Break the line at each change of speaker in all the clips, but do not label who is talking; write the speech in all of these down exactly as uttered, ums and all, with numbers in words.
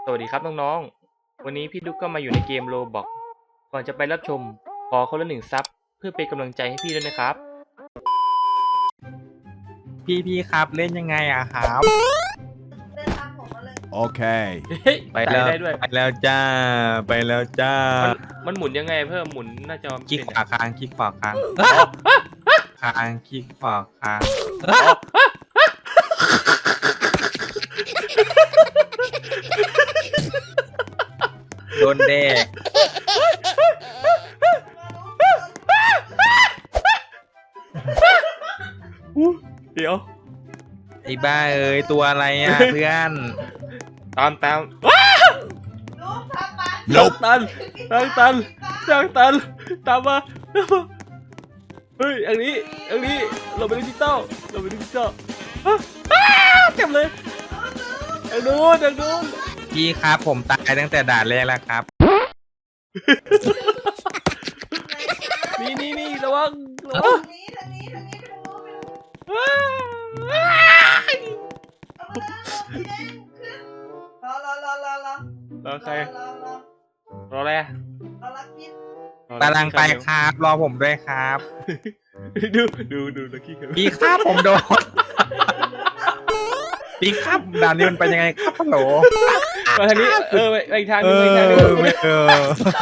สวัสดีครับน้องๆ วันนี้พี่ดุ๊กก็มาอยู่ในเกมโรบอกก่อนจะไปรับชมขอคนละหนึ่งซับเพื่อเป็นกำลังใจให้พี่ด้วยนะครับ
พี่พี่ครับเล่นยังไงอะครับ
เดินตามผมมาเลย
Okay.
เฮ้ย
ไปแล้ว
ตายได้ด้วย
ไปแล้วจ้า ไปแล้วจ้า
มันมันหมุนยังไงเพิ่มหมุนหน้าจอ
คลิกขวาค้างคลิกขวาค้างค้างคลิกขวาค้างโดนแดก
เดี๋ยว
ไอ้บ้าเอ้ยตัวอะไรอะเพื่อน
ตามตาม
ลูกทำมัน
ทางตันทางตันทางตันตามมาตามมาเฮ้ยอันนี้อันนี้เราเป็นดิจิตอลเราเป็นดิจิตอลอ้าอ้าเต็มเลยทางนู้นทางนู้น
พี่ครับผมตายตั้งแต่ด่านแรกแล้วครับ
นี่นี่นี่ระวังระวั
ทาง งนี้ทางนี้ทางนี้ไปทางโน้นไปทางโน้น
อ้า
เอามาแล้วเด้งขึ้นรอรอรอรอรอ
รอใคร
รอรอ
รออะไรอะ
รอรักกิน
กำลังไปครับรอผมด้วยครับ
ดูดูดูลักกี้กัน
พี่ครับผมโดน พี่ครับด่านนี้มันเป็นยังไงครับฮัลโหล
มาทางนี้เออไปไปอีกทางห
เอ
นึงไป
อ
อีกทางหนึง
ไม่เออ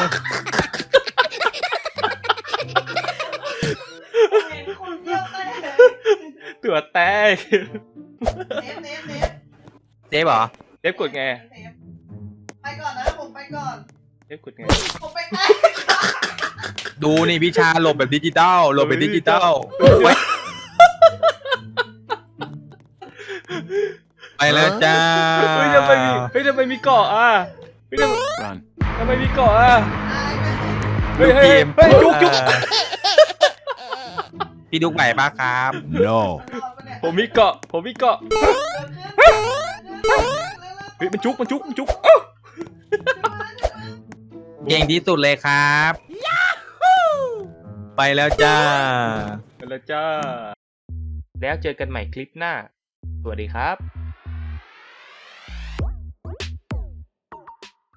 เห็นคนเดียวเต้นเลย
ตัวแตก
เนฟเนฟเนฟ
เจ๊บเหรอ
เล็บกดไง
เนฟไปก่อนนะผมไปก่อน
เล็บกดไง
ผมไปใกล้
ดูนี่พี่ชาหลบแบบดิจิตอลหลบแบบดิจิตอลไปแล้วจ้า
เฮ้ยทำไมมีเฮ้ยทำไมมีเกาะอ่ะเฮ้ยทำไม
Run.
ทำไมมีเกาะอ่ะ
ตายไป
เฮ้ยเฮ้ยเฮ้ยจุกจุก
พี่ดุ๊กไหวปะครับ
No.
รอไปเนี่ย
ผมมีเกาะผมมีเกาะ
เดินขึ้นเดินขึ้นเร็วๆ
เฮ้ยมันจุกมันจุกมันจุกอ้าว
เก่งที่สุดเลยครับ ไปแล้วจ้า
ไปแล้วจ้า แล้วเจอกันใหม่คลิปหน้า สวัสดีครับ